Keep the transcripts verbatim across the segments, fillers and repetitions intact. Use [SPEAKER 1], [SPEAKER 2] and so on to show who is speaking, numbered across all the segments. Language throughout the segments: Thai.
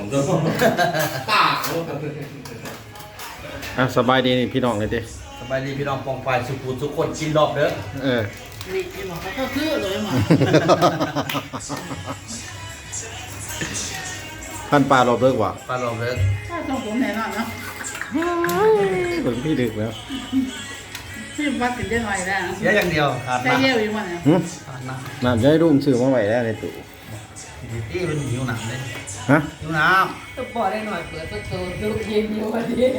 [SPEAKER 1] ก็ตา
[SPEAKER 2] อ่ะสบายดีนี่พี่น้องเลยดิ
[SPEAKER 1] สบายดีพี่น้องปองไปสุขุมทุกคนกินรอบเด้อ
[SPEAKER 2] เออ
[SPEAKER 3] นี่ไอ้หมอเขาก็คือเลยหมอ
[SPEAKER 2] ท่านปลารอบเลิกว่ะ
[SPEAKER 1] ปลารอบเด้อ
[SPEAKER 3] ถ้าต้องผมแน่นอนเนาะ
[SPEAKER 2] เหมือนพี่ดึกแล้ว
[SPEAKER 3] ที่วัดกินได้หน่อยแล้ว
[SPEAKER 1] เสียอย่างเดียวขาด
[SPEAKER 3] ใช้
[SPEAKER 1] น้ำ
[SPEAKER 3] เยี่ยวอีกวันเนี่ย
[SPEAKER 2] หึ
[SPEAKER 1] ขาดน้ำ
[SPEAKER 2] น้ำจะให้รุ่มซื้อมาไว้แล้วในตู้
[SPEAKER 1] ที่มันหิวน้ำเลย
[SPEAKER 2] ฮะ
[SPEAKER 1] หิวน้
[SPEAKER 4] ตุ๊กบอกได้หน่อยเปิดประตูลูกยิงอยู่วันนี้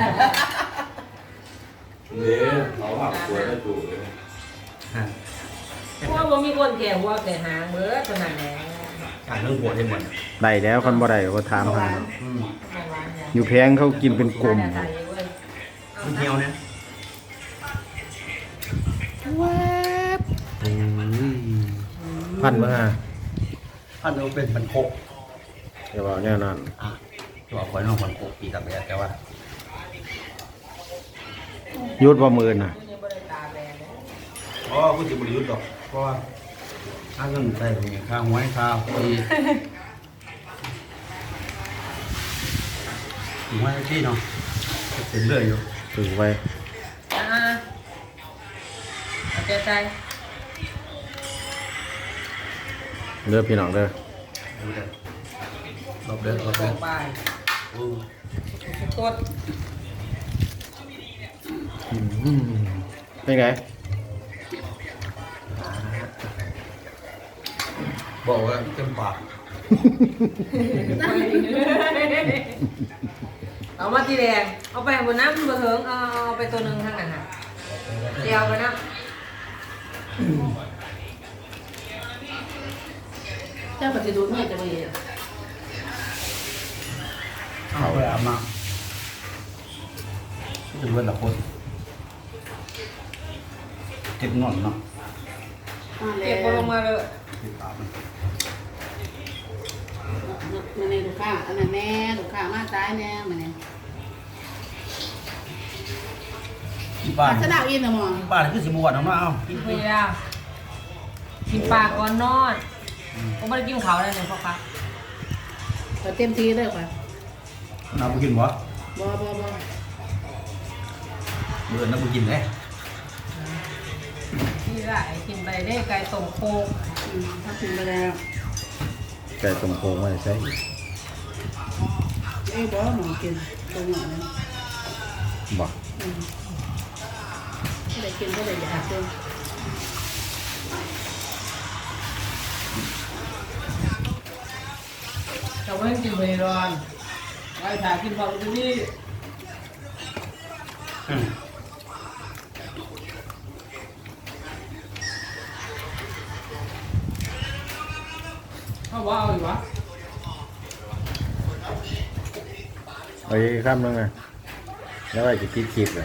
[SPEAKER 5] เนี่ยเขาหักตัวได้ถูกเลย
[SPEAKER 1] ำ
[SPEAKER 4] เพราะว่าบ่มีคนแก่หัวแก่หางเบิดขนาดไหน
[SPEAKER 1] การเรื่องหัวได้หมด
[SPEAKER 2] ได้แล้วคนบ่ได้ก็ถามหา
[SPEAKER 1] อืม
[SPEAKER 2] อยู่แพงเขากินเป็นกลม
[SPEAKER 1] มันเหี่ยวเนี่ย
[SPEAKER 2] พันมา
[SPEAKER 1] ถ้าเราเป็นมันโคก
[SPEAKER 2] เดี๋ยวบอกแน่นอน
[SPEAKER 1] อ่ะตัวคอยน้องมันโคกปีกับแบบแต่ว่า
[SPEAKER 2] ยุดว่ามือน่ะ
[SPEAKER 1] อ๋อกูจะบริยุทธ์หรอกเพราะว่าถ้าเงินใส่ตรงนี้ค่าหัวให้ค่าปีถึงว่าที่เนาะเต็มเลยอยู่
[SPEAKER 2] ถือไว้
[SPEAKER 4] อ่าเอาใจใจ
[SPEAKER 2] เด้อพี่น้องเด้อ
[SPEAKER 1] ดูเด้อรอบเด้อรอบ
[SPEAKER 4] ล
[SPEAKER 1] เด้อง
[SPEAKER 4] ไป
[SPEAKER 1] อู้
[SPEAKER 4] กด
[SPEAKER 2] อืมเป็นไง
[SPEAKER 1] บอกว่าเต็มปาก
[SPEAKER 4] เอามาทีแดงเอาไปบนน้ำบนเถิงเอาเอาไปตัวหนึ่งข้างหน้าเดียวไปนะ
[SPEAKER 3] เจ้าปฏิดูเนี่ยจะไป
[SPEAKER 1] เอาไปอาบน้ำจะเว้นละคนเก็บนอนเนาะ
[SPEAKER 4] เก็บลงมาเลย
[SPEAKER 1] เก็บอาบ
[SPEAKER 3] มันในลูกค้าอันนั้นแน่ลูกค้ามาตายแน่มันเนี่ย
[SPEAKER 1] ที่บ้าน
[SPEAKER 3] สนามอินนะหมอ
[SPEAKER 1] ที่บ้านคือสิบวันเอามาเอากิน
[SPEAKER 4] กินไปแล้วกินปลาก่อนนอนผมไม่ได้กินเขาเลยเนี่ยพ่อครับ
[SPEAKER 3] เต็มทีเลยค่ะ
[SPEAKER 1] น้ำไปกินบ่
[SPEAKER 3] บ่บ่บ่
[SPEAKER 1] เบื่อน้ำไปกินเลย
[SPEAKER 4] ที่ได้กินไปได้ไก่ต้มโคก
[SPEAKER 3] ถ้าถึงไปแล้ว
[SPEAKER 2] ไก่ต้มโค้งไว้ใส่
[SPEAKER 3] ไอ้บ่หมอกินตรงหน่อยนะ
[SPEAKER 2] บ่
[SPEAKER 3] ก็ได้กินก็ได้อยากเลย
[SPEAKER 4] แต่ว่ากินไปร้อนไว้ถ่ายกินพอไปที่นี่เขาว่าเอาอยู่วะ
[SPEAKER 2] เอาอีกคำหนึงนะแล้วไอ้จะคิดคลิปเลย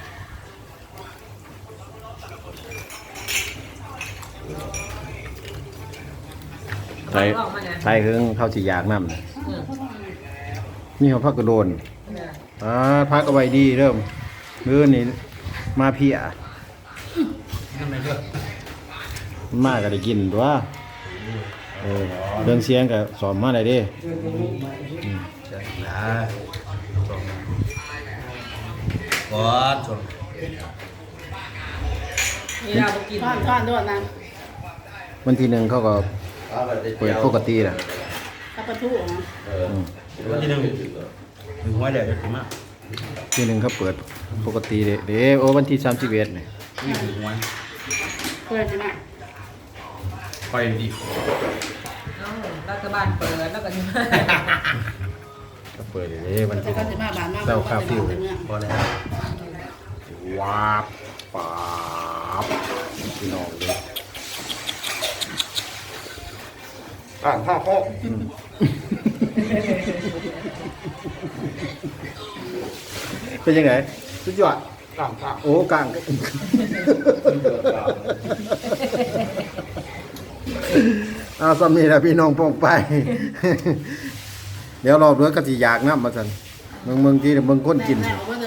[SPEAKER 2] ใส่ใส่เครื่องเข้าจียากน้ำน่ะนี่เขาพักกระโดนอ่าพักเอาไว้ดีเริ่มมื้อนี่มาเพีย
[SPEAKER 1] นั่นไม่เลือก
[SPEAKER 2] มาก็ได้กินตัวเออเรื่องเสียงก็สอนมาได้เด้
[SPEAKER 1] ใช่แล้วก่อนชน
[SPEAKER 4] มีเราไปกิน
[SPEAKER 3] ทอดทอดด้วยนะ
[SPEAKER 2] วันที่หนึ่งเขาก็เปิดปกติแหละ
[SPEAKER 3] ถ้าประตูอ๋อ
[SPEAKER 2] อืม
[SPEAKER 1] วันที่หนึ่งหนึ่งหัวเดียวจะถึงมาก
[SPEAKER 2] ที่หนึ่งเขาเปิดปกติเด้เด้โอ้วันที่สามสิบเอ็ดเนี่ย
[SPEAKER 1] นี่หนึ่งหัว
[SPEAKER 3] เพื่อนใช่ไหม
[SPEAKER 1] ไปดี
[SPEAKER 4] เอ้ารัฐบาลเปิดแล้วก็ยัง
[SPEAKER 2] ก็เปิดเด้วัน
[SPEAKER 3] แต่
[SPEAKER 2] ที่
[SPEAKER 3] ก็จะมาบ้านมาก
[SPEAKER 2] เจ้าคาฟิว
[SPEAKER 3] เมือง
[SPEAKER 1] พอแล้ว
[SPEAKER 2] วาบปาบพี่น้องเลยอ่านห้าข้อเป็นยังไงสุดยอดกลางกลางโอ้กลางเอาสำนีนะพี่น้องปองไป เดี๋ยวรอบเรือก็สิอยากน้ำมาสันเมืองเมืองที่เมืองก้นกิน
[SPEAKER 3] แม่บอกว่า